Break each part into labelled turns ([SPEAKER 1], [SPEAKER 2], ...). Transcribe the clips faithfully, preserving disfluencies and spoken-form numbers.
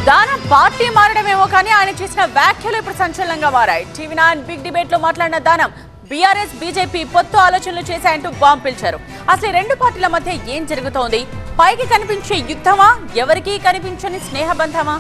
[SPEAKER 1] దానం పార్టీ మారడమేమో కానీ ఆయన చేసిన వ్యాఖ్యలు ఇప్పుడు సంచలనంగా మారాయి. టీవీ నైన్ బిగ్ డిబేట్ లో మాట్లాడిన దానం బీఆర్ఎస్ బీజేపీ పొత్తు ఆలోచనలు చేశాయంటూ బాంబు పిలిచారు. అసలు రెండు పార్టీల మధ్య ఏం జరుగుతోంది? పైకి కనిపించే యుద్ధమా, ఎవరికీ కనిపించని స్నేహబంధమా?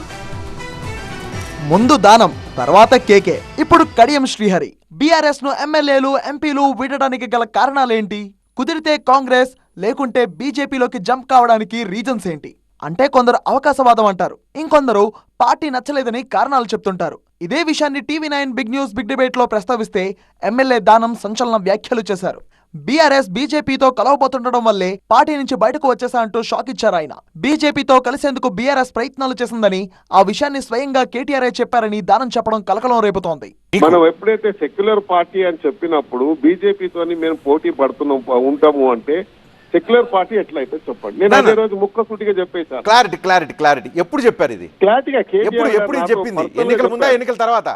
[SPEAKER 2] ముందు దానం, తర్వాత కేకే, ఇప్పుడు కడియం శ్రీహరి. బీఆర్ఎస్ ను ఎమ్మెల్యేలు ఎంపీలు వీడడానికి గల కారణాలేంటి? కుదిరితే కాంగ్రెస్ లేకుంటే బీజేపీలోకి జంప్ కావడానికి రీజన్స్ ఏంటి? అంటే కొందరు అవకాశవాదం అంటారు, ఇంకొందరు పార్టీ నచ్చలేదని కారణాలు చెప్తుంటారు. ఇదే విషయాన్ని TV nine big news big debate లో ప్రస్తావిస్తే ఎమ్మెల్యే దానం సంచలన వ్యాఖ్యలు చేశారు. బీఆర్ఎస్ బీజేపీతో కలవబోతుండడం వల్లే పార్టీ నుంచి బయటకు వచ్చేసా అంటూ షాక్ ఇచ్చారు ఆయన. బీజేపీతో కలిసేందుకు బీఆర్ఎస్ ప్రయత్నాలు చేసిందని, ఆ విషయాన్ని స్వయంగా కేటీఆర్ చెప్పారని దానం చెప్పడం కలకలం రేపుతోంది.
[SPEAKER 3] మనం ఎప్పుడైతే సెక్యులర్ పార్టీ అని చెప్పినప్పుడు బీజేపీతోని మేము పోటీ పడుతున్నాం ఉంటాము అంటే సెక్యులర్ పార్టీ ఎట్లయితే చెప్పండి. నేను అదే రోజు ముక్కసూటిగా చెప్పేశాను.
[SPEAKER 4] క్లారిటీ క్లారిటీ క్లారిటీ ఎప్పుడు చెప్పారు ఇది?
[SPEAKER 3] క్లారిటీగా
[SPEAKER 4] ఎప్పుడు ఎప్పుడు చెప్పింది? ఎన్నికల ముందా ఎన్నికల తర్వాత?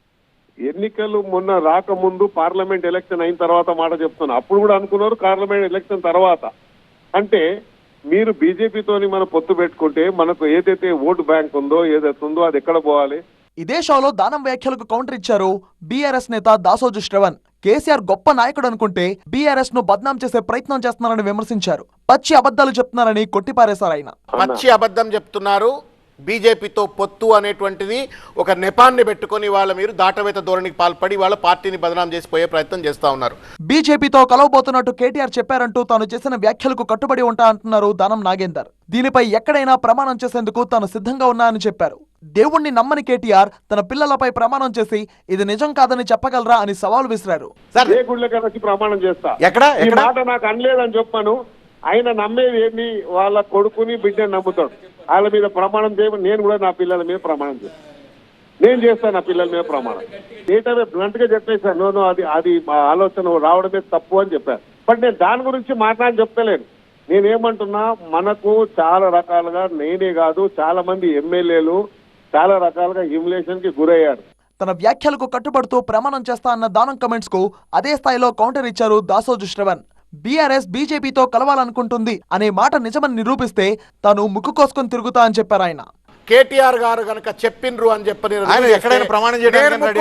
[SPEAKER 3] ఎన్నికలు మొన్న రాకముందు పార్లమెంట్ ఎలక్షన్ అయిన తర్వాత మాట చెప్తున్నా. అప్పుడు కూడా అనుకున్నారు పార్లమెంట్ ఎలక్షన్ తర్వాత. అంటే మీరు బీజేపీతోని మనం పొత్తు పెట్టుకుంటే మనకు ఏదైతే ఓటు బ్యాంక్ ఉందో ఏదైతే ఉందో అది ఎక్కడ పోవాలి?
[SPEAKER 2] ఇదే షోలో దానం వ్యాఖ్యలకు కౌంటర్ ఇచ్చారు బీఆర్ఎస్ నేత దాసోజు శ్రవణ్. కేసీఆర్ గొప్ప నాయకుడు అనుకుంటే బీఆర్ఎస్ ను బద్నాం చేసే ప్రయత్నం చేస్తున్నారని విమర్శించారు. పచ్చి అబద్ధాలు చెప్తున్నారని కొట్టిపారేశారు ఆయన.
[SPEAKER 5] పచ్చి అబద్ధం చెప్తున్నారు. బీజేపీతో పొత్తు అనేటువంటిది ఒక నెపాన్ని పెట్టుకుని వాళ్ళ మీరు దాటవేత ధోరణికి పాల్పడి వాళ్ళ పార్టీని బదనాం చేసిపోయే ప్రయత్నం చేస్తా ఉన్నారు.
[SPEAKER 2] బీజేపీతో కలవబోతున్నట్టు కేటీఆర్ చెప్పారంటూ తాను చేసిన వ్యాఖ్యలకు కట్టుబడి ఉంటా అంటున్నారు దానం నాగేందర్. దీనిపై ఎక్కడైనా ప్రమాణం చేసేందుకు తాను సిద్ధంగా ఉన్నా అని చెప్పారు. దేవుణ్ణి నమ్మని కేటీఆర్ తన పిల్లలపై ప్రమాణం చేసి ఇది నిజం కాదని చెప్పగలరా అని సవాల్ విసిరారు.
[SPEAKER 3] ప్రమాణం చేస్తా
[SPEAKER 4] ఎక్కడ
[SPEAKER 3] మాట నాకు అనలేదని చెప్పాను. ఆయన నమ్మేది ఏంటి? వాళ్ళ కొడుకుని బిడ్డని నమ్ముతాడు. వాళ్ళ మీద ప్రమాణం చేయమని నేను కూడా నా పిల్లల మీద ప్రమాణం చేస్తాను. నేను చేస్తాను నా పిల్లల మీద ప్రమాణం. ఏటనే బ్లంట్ గా చెప్పేశాను. నో అది అది మా ఆలోచన రావడమే తప్పు అని చెప్పాను. బట్ నేను దాని గురించి మాట్లాడి చెప్తలేను. నేనేమంటున్నా, మనకు చాలా రకాలుగా నేనే కాదు చాలా మంది ఎమ్మెల్యేలు చాలా రకాలుగా హ్యూమిలేషన్ కి గురయ్యారు.
[SPEAKER 2] తన వ్యాఖ్యలకు కట్టుబడుతూ ప్రమాణం చేస్తా అన్న దానం కమెంట్స్ కు అదే స్థాయిలో కౌంటర్ ఇచ్చారు దాసోజు శ్రవణ్. బీఆర్ఎస్ బీజేపీతో కలవాలనుకుంటుంది అనే మాట నిజమని నిరూపిస్తే తాను ముక్కు కోసుకొని తిరుగుతా అని చెప్పారు ఆయన.
[SPEAKER 5] కేటీఆర్ గారు గనక చెప్పిండ్రు అని చెప్పని
[SPEAKER 4] ఎక్కడైనా ప్రమాణం చేయడానికి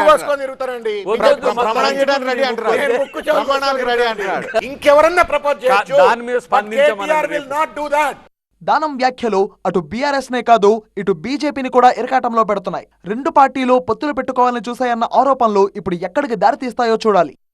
[SPEAKER 5] ఇంకెవరన్నా ప్రపోజ్ చేయొచ్చు.
[SPEAKER 2] దానం వ్యాఖ్యలు అటు బీఆర్ఎస్ నే కాదు ఇటు బీజేపీని కూడా ఇరకాటంలో పెడుతున్నాయి. రెండు పార్టీలు పొత్తులు పెట్టుకోవాలని చూశాయన్న ఆరోపణలు ఇప్పుడు ఎక్కడికి దారితీస్తాయో చూడాలి.